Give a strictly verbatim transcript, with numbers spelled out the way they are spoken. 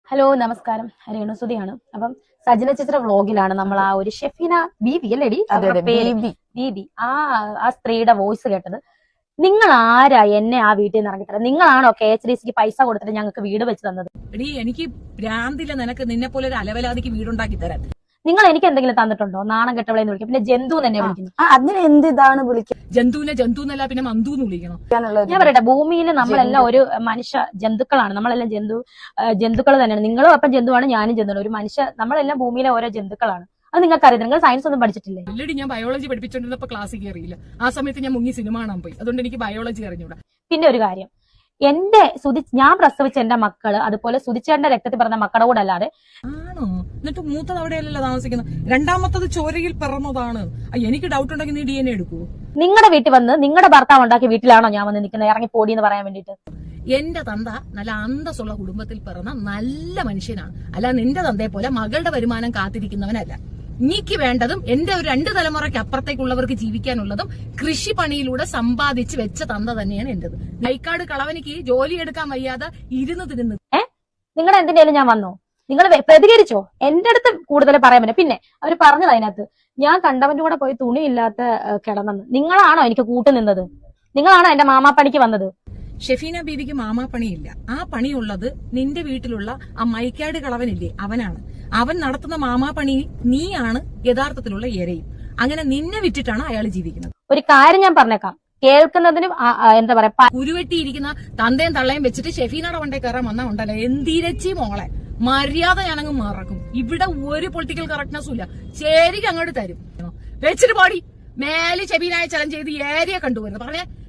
Hello നമസ്കാരം, രേണുസുതിയാണ്. അപ്പം സജന ചിത്ര വ്ളോഗിലാണ് നമ്മൾ ആ ഒരു ഷെഫീന ബീബി അല്ലേടി ബീബി ആ ആ സ്ത്രീയുടെ വോയിസ് കേട്ടത്. നിങ്ങൾ ആരാ എന്നെ ആ വീട്ടിൽ നിന്ന് ഇറങ്ങിത്തരാം? നിങ്ങളാണോ കെ എച്ച് ഡി സിക്ക് പൈസ കൊടുത്തിട്ട് ഞങ്ങൾക്ക് വീട് വെച്ച് തന്നത്? എടീ, എനിക്ക് ഭ്രാന്തില്ല നിനക്ക് നിന്നെ പോലെ ഒരു അലവലാതിക്ക് വീടുണ്ടാക്കി തരാൻ. നിങ്ങൾ എനിക്ക് എന്തെങ്കിലും തന്നിട്ടുണ്ടോ? നാണം കെട്ടവളെന്ന് വിളിക്കും, പിന്നെ ജന്തു തന്നെ വിളിക്കുന്നു. അതിന് എന്ത് ഇതാണ് വിളിക്കുന്നത്? ജന്തുവിനെ ജന്തു എന്നല്ല പിന്നെ മന്തു എന്ന് വിളിക്കണം. ഞാൻ പറയട്ടെ, ഭൂമിയിൽ നമ്മളെല്ലാം ഒരു മനുഷ്യ ജന്തുക്കളാണ്. നമ്മളെല്ലാം ജന്തു ജന്തുക്കൾ തന്നെയാണ്. നിങ്ങളും അപ്പം ജന്തുവാണ്, ഞാനും ജന്തുവാണ്. ഒരു മനുഷ്യ നമ്മളെല്ലാം ഭൂമിയിലെ ഓരോ ജന്തുക്കളാണ്. അത് നിങ്ങൾക്ക് അറിയാം. നിങ്ങൾ സയൻസ് ഒന്നും പഠിച്ചിട്ടില്ലേ? ഓൾറെഡി ഞാൻ ബയോളജി പഠിപ്പിച്ചോണ്ടിരുന്നപ്പോ ക്ലാസ്സിൽ കയറിയില്ല. ആ സമയത്ത് ഞാൻ മുങ്ങി സിനിമ കാണാൻ പോയി. അതുകൊണ്ട് എനിക്ക് ബയോളജി അറിഞ്ഞൂടാ. പിന്നെ ഒരു കാര്യം, എന്റെ സുധി ഞാൻ പ്രസവിച്ച എന്റെ മക്കള് അതുപോലെ സുധിച്ചേട്ടന്റെ രക്തത്തിൽ പറഞ്ഞ മക്കളുടെ കൂടെ അല്ലാതെ ആണോ? എന്നിട്ട് മൂത്തത് അവിടെയല്ലല്ലോ താമസിക്കുന്നത്, രണ്ടാമത്തത് ചോരയിൽ പിറന്നതാണ്. എനിക്ക് ഡൗട്ട് ഉണ്ടെങ്കിൽ നീ ഡി എൻ എ എടുക്കൂ. നിങ്ങളുടെ വീട്ടിൽ വന്ന് നിങ്ങളുടെ ഭർത്താവ് ഉണ്ടാക്കിയ വീട്ടിലാണോ ഞാൻ വന്ന് നിൽക്കുന്നത്? ഇറങ്ങി പോടി എന്ന് പറയാൻ വേണ്ടിട്ട്. എന്റെ തന്ത നല്ല അന്തസ്സുള്ള കുടുംബത്തിൽ പിറന്ന നല്ല മനുഷ്യനാണ്. അല്ല നിന്റെ തന്തയെ പോലെ മകളുടെ വരുമാനം കാത്തിരിക്കുന്നവനല്ല. നീക്ക് വേണ്ടതും എന്റെ ഒരു രണ്ട് തലമുറയ്ക്ക് അപ്പുറത്തേക്കുള്ളവർക്ക് ജീവിക്കാനുള്ളതും കൃഷിപ്പണിയിലൂടെ സമ്പാദിച്ച് വെച്ച തന്ത തന്നെയാണ് എന്റേത്. നൈക്കാട് കളവനിക്ക് ജോലി എടുക്കാൻ വയ്യാതെ ഇരുന്ന് തിരുന്ന്. ഏഹ് നിങ്ങളുടെ എന്തിനേലും ഞാൻ വന്നോ? നിങ്ങൾ പ്രതികരിച്ചോ? എന്റെ അടുത്ത് കൂടുതൽ പറയാൻ പറ്റില്ല. പിന്നെ അവർ പറഞ്ഞത് അതിനകത്ത് ഞാൻ കണ്ടവന്റെ കൂടെ പോയി തുണിയില്ലാത്ത കിടന്നെന്ന്. നിങ്ങളാണോ എനിക്ക് കൂട്ടു നിന്നത്? നിങ്ങളാണോ എന്റെ മാമാപ്പണിക്ക് വന്നത്? ഷെഫീന ബീവിക്ക് മാമാപ്പണിയില്ല. ആ പണിയുള്ളത് നിന്റെ വീട്ടിലുള്ള ആ മൈക്കാട് കളവനില്ലേ, അവനാണ്. അവൻ നടത്തുന്ന മാമാപ്പണി നീയാണ് യഥാർത്ഥത്തിലുള്ള ഇരയും. അങ്ങനെ നിന്നെ വിറ്റിട്ടാണ് അയാൾ ജീവിക്കുന്നത്. ഒരു കാര്യം ഞാൻ പറഞ്ഞേക്കാം, കേൾക്കുന്നതിനും എന്താ പറയാ, കുരുവെട്ടിയിരിക്കുന്ന തന്തയും തള്ളയും വെച്ചിട്ട് ഷെഫീനയുടെ വണ്ടേ കയറാൻ വന്നാ ഉണ്ടല്ലോ എന്തിരച്ചി മോളെ മര്യാദ ഞാനങ്ങ് മറക്കും. ഇവിടെ ഒരു പൊളിറ്റിക്കൽ കറക്റ്റ്നെസ്സും ഇല്ല. ശരിക്കും അങ്ങോട്ട് തരും വെച്ചിട്ട് പാടി മേലെ ഷെഫീനായ ചലഞ്ച് ചെയ്ത് ഏരിയ കണ്ടുവരുന്നത് പറഞ്ഞേ.